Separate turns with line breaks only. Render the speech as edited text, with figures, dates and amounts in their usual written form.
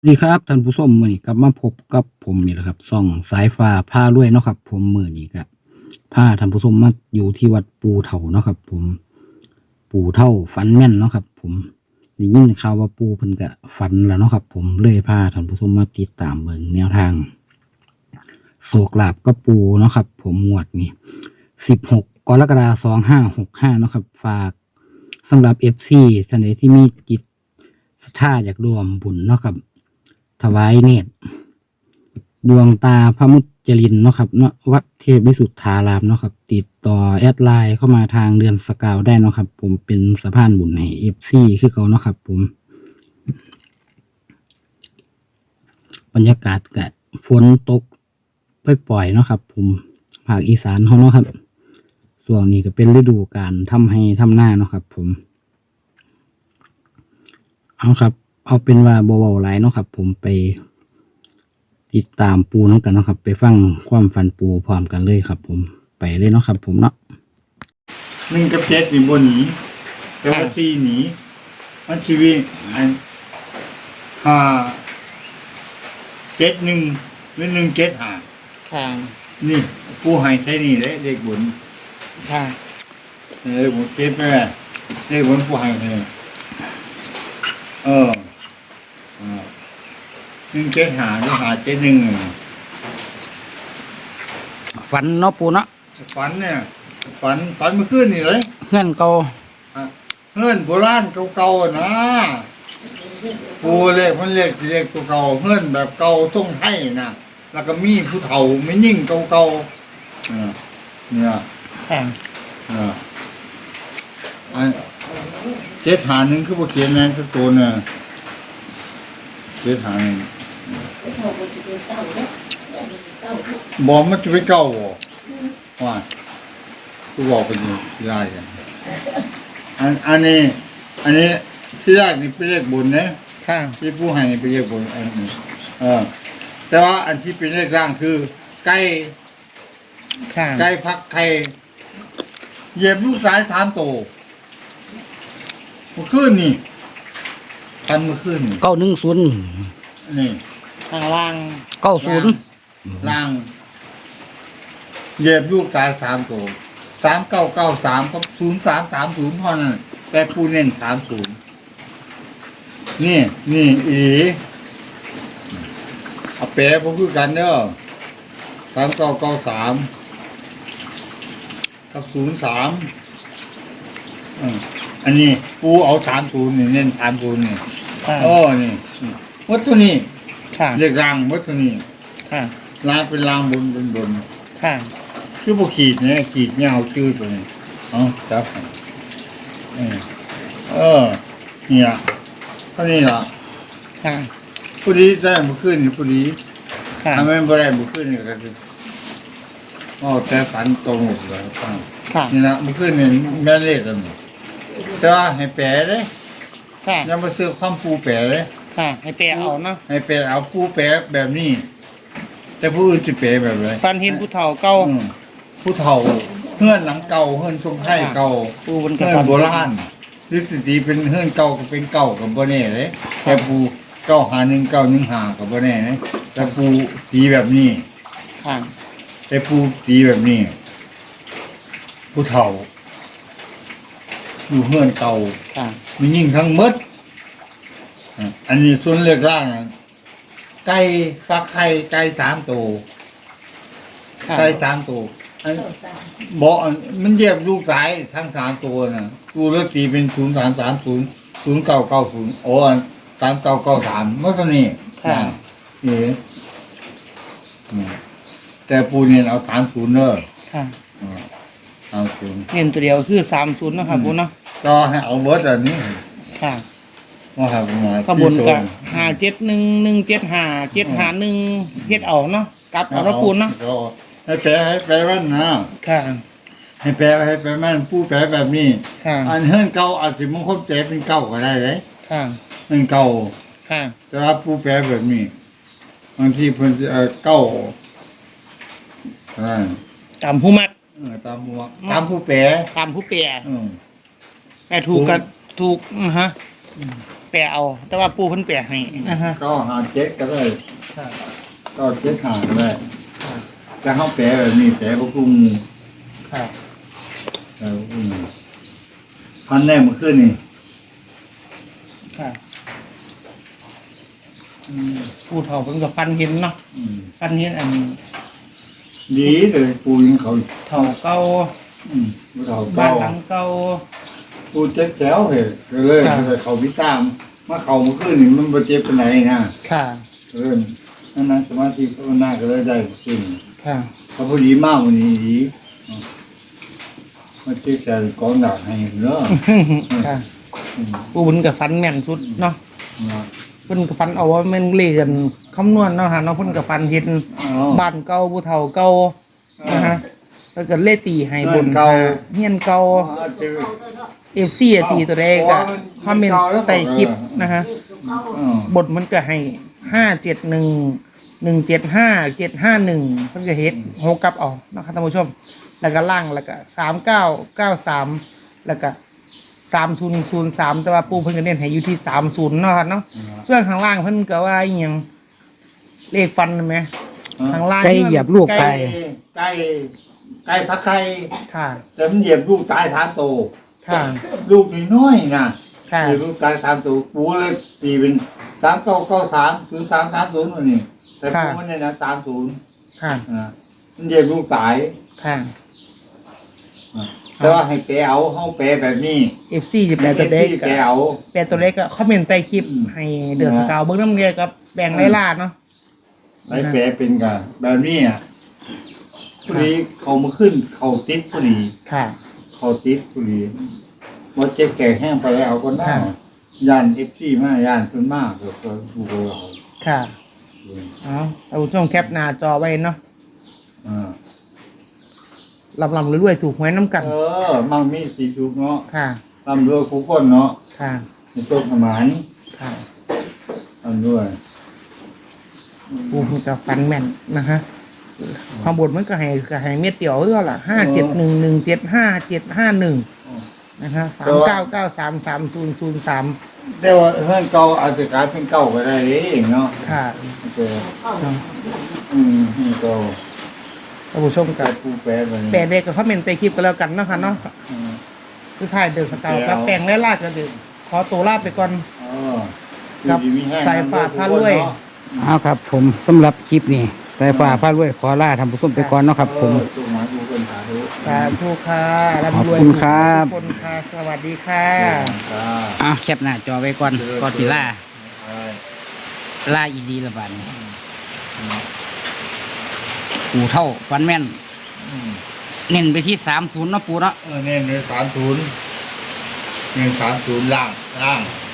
ดีครับท่านผู้ชมมื้อนี้กลับมาพบกับผมนี่แหละครับช่องสายฟ้าพารวยเนาะครับผมมื้อนี้ก็พาท่านผู้ชมมาอยู่ที่วัดปูเฒ่าเนาะครับผมปู่เฒ่าฝันแม่นเนาะครับผมได้ยินข่าวว่าปู่เพิ่นก็ฝันแล้วเนาะครับผมเลยพาท่านผู้ชมมาติดตามเบิ่งแนวทางโชคลาภกับปู่เนาะครับผมงวดนี้16กรกฎาคม2565เนาะครับฝากสำหรับ FC ท่านใดที่มีจิตศรัทธาอยากร่วมบุญเนาะครับถวายเนตรดวงตาพระมุจลินเนาะครับเนาะวัดเทพวิสุทธารามเนาะครับติดต่อแอดไลน์เข้ามาทางเดือนสกาวได้เนาะครับผมเป็นสะพานบุญให้ FC คือเขาเนาะครับผมบรรยากาศก็ฝนตกปล่อยๆเนาะครับผมภาคอีสานเขาเนาะครับส่วนนี้ก็เป็นฤดูการทำให้ทำหน้าเนาะครับผมเอาครับเอาเป็นว่าบ่เว้าหลายเนาะครับผมไปติดตามปูน้องกันเนาะครับไปฟังความฝันปูพร้อมกันเลยครับผมไปเลยเนาะครับผมเนาะ
1 กับ 7นี่บ่หนีแต่ว่า4หนีมันชีวิตอัน5 7 1หรือ1 7 5
ค่ะ
นี่ผู้ให้ใช้นี่แหละเลขบน
ค่ะ
เลขบนเก็บไปแหละเลขบนผู้ให้ให้1 7 5หรือ5 7 1
ฝันเนาะปูเนาะ
ฝันเนี่ยฝันเมื่อคืนนี่เลย
เงื่อนเก่า
เฮือนโบราณเก่าๆนะปูเลขมันเลขตัวเก่าเฮือนแบบเก่าทรงไทยนะแล้วก็มีผู้เฒ่าไม่ยิ่งเก่าๆเนี่ยอัน7 5 1คือบ่เขียนแม่นสักตัวน่ะ7 5 1บ่มันจะเป็นเก่าบ่ว่ากูบอกเป็นที่ได้กันอันนี้ที่แรกนี่เป็นเลขบนนะ
ค่ะ
ที่ผู้ให้นี่เป็นเลขบนอันนี้แต่ว่าอันที่เป็นเลขล่างคือไก่ฟักไข่เหยียบลูกสาย3ตัวเมื่อคืนนี่ทันเมื่อคืนนี่
910
นี่
ข้างล่าง
90
ล่างเหยียบลูกสาย3ตัว3993กับ0330เท่านั้นแต่ผู้เน้น30นี่อีเอาแปะพวกคือกันเด้อ3993กับ03อันนี้ปูเอา30นี่เน้น30นี่นี่วัตถุนี้เรียกรางวัตถุนี้รางเป็นรางบนคือพวกขีดเนี่ยขีดเนี่ยเอาชื่อตัวนี้จับเนี่ยเท่านี้ล่ะผู้ดีได้บุขึ้นผู้ดีทำไมไม่ได้บุขึ้นก็คือแต่ฝันตรงหมดเลยนี่นะบุขึ้นเนี่ยแม่เล็กกันแต่ว่าให้แปะเลยยังมาซื้อความปูแปะเลย
ให้แปลเอาเนาะ
ให้แปะเอาปูแปะแบบนี้แต่ผู้อื่นจะแปะแบบไร
ฟันเห็นผู้เฒ่าเก่า
ผู้เฒ่าเฮือนหลังเก่าเฮือนทรงไทยเก่า
ปู
เฮือนโบราณหรือสิตีเป็นเฮือนเก่าก็เป็นเก่ากับบ่แน่เลยแต่ปู951 915กับบ่แน่เลยแต่ปูตีแบบนี้แต่ปูตีแบบนี้ผู้เฒ่าอยู่เฮือนเก่ามียิ่งทั้งหมดอันนี้ส่วนเลือกล่างไก่ฟักไข่ไก่3ตัวไก่3ตัวบอกมันเยียบลูกสายทั้ง3ตัวน่ะตัวเลือกตีเป็น0330 09903993เมื่อกี้นี่แต่ปูเนี่ยเอา30เด้อ30
เน้นตัวเดียวคือ30นะครับปูเนาะ
ก็ให้เอาเบิดอันนี้ว่าครับ
ขบวนกับ571 175 751เฮ็ดเอาเนาะกลับเอาปูเนาะ
ให้แปลว่านะให้แปลมันผู้แปลแบบนี้อันเฮือนเก่าอาจสิมงคลแปลเป็นเก่าก็ได้เลยเป็นเก่าแต่ว่าผู้แปลแบบนี้บางทีเพิ่นเก่า
ตามผู้มัก
ตามผู้แปล
แต่ถูกกันถูกแปลเอา แต่ว่าปูเพิ่นแปลให้นะฮะ
ก็หาเจ็ดก็ได้
ค่ะ
ก็เจ็ดหาก็ได้
ค่ะ
แต่เขาแปลแบบนี้แปลพวกกุ้ง
ค่ะ
แต่พวกกุ้งพันแน่เมื่อคืนนี่
ค่ะปูเฒ่าเพิ่นก็ฟันเห็นเนาะ
อืม
ฟันเห็นอัน
ดีเลยปูยังเขา
เฒ่าเก่า
ปูเขา
บ้า
เก่าน
หลังเก่า
ปูเจ็บแขวเลยก็เลย
ครับ
เขาพิตามมาเขาเมื่อคืนนี่มันบ่เจ็บเป็นไหนนะ
ค่ะ
เริ่มนั่งสมาธิภาวนาก็เลยได้ขึ้น
ค่ะ
เขาพอดีมากวันนี้ดีมาเจ็บแขวกองดาบให้เนาะ
ค่ะปูเพิ่นก็ฟันแม่นสุดเนาะ
นะ
เพิ่นก็ฟันเอาว่าแม่นเลขกันคำนวณเนาะฮะเนาะเพิ่นก็ฟันเห็น
อ๋อ
บ้านเก่าผู้เฒ่าเก่านะฮะแล้วก็เลขตีให้บน
เก่า
เฮียนเก่า
เจอ
FC อะตีตัวใดก็คอมเมนต์ใต้คลิปนะฮะ บทมันก็ให้571 175 751เพิ่นก็เฮ็ดโฮกลับเออกนะครับท่านผู้ชม แล้วก็ล่างแล้วก็3993แล้วก็3003แต่ว่าปู่เพิ่นก็เน้นให้อยู่ที่30เนาะครับเนาะส่วนข้างล่างเพิ่นก็ว่าอีหยังเลขฟันนั่นแหมข้างล่าง
ไก่เหยียบลูกไก่
ไก่ฟักไข่
ค่ะ
แต่มันเหยียบลูกตายทานโต
ค่ะ
ลูกน้อยๆนะ
ค่ะ
เหยียบลูกตายทานโตปูเลยตีเป็น3993 0330วันนี้แต่ปูมันเนี่ยนะ30
ค่ะ
มันเหยียบลูกตาย
ค่ะ
แต่ว่าให้แปลเอาเฮาแปลแบบนี้
FC จะแปลตัวเลข
แปลเอา
แปลตัวเลขก็คอมเมนต์ใต้คลิปให้เดือดสกาวเบิ่งนำเรียกับแบ่งไล่ล่าเนาะ
ได้แปลเป็นกันแบบนี้อ่ะพอดีเขามาขึ้นเขาติดพอดี
ค่ะ
เขาติดพอดีว่าเจ็บแก่แห้งไปแล้วก็น่า
ค่ะ
ย่านFC มาย่านเพิ่นมากก็ดูเรา
ค่ะเอาเอาช่วงแคปหน้าจอไว้เนาะ
อ่า
ลำรวยๆถูกหวยน้ำกัน
มั่งมีสีทุกเนาะ
ค่ะ
ตำรวจผู้คนเนาะ
ค่ะ
ในต้นขมาน
ค่ะ
ตำรวจ
ปูมันจะฟันแม่นนะฮะความบทมันก็ให้เม็ดเดียวเท่าล่ะ571175751นะฮะ39933003
แต่ว่าเฮือนเก่าอาจจะกลายเป็นเก่าก็ได้เด้เนาะ
ค่ะ
เจอนี่เก่า
ท่านผู้ชม
ก
กั
ลา
บ
ยผู้แปลไป
แปลเด็กกับคอมเมนต์ใต้คลิปก็แล้วกันเนาะค่ะเนาะคือถ่ายเดือดสกาวกับแปลงไล่ล่าก็เดือขอตัวลาไปก่อน ครับสายฟ้าพารวย
เอาครับ ผมสำหรับคลิปนี้สายฟ้าพารวยขอลาทำผู้ชมไปก่อนเนาะครับ ผม
จุกหมายผู้คนสาธุ
สาธุค่ะ
ขอบ
ร่ำรวย
คุณครับ
ทุกคนค่ะ สวัสดีค่ะ
อ่ะแคปหน้าจอไว้ก่อนก่อนสิล่า
ใช่
ล่าอีดีละบาดนี้ปูเท่าฟันแม่น เน้นไปที่30เนาะปูเนาะ
เนี่ย130 130ล่าง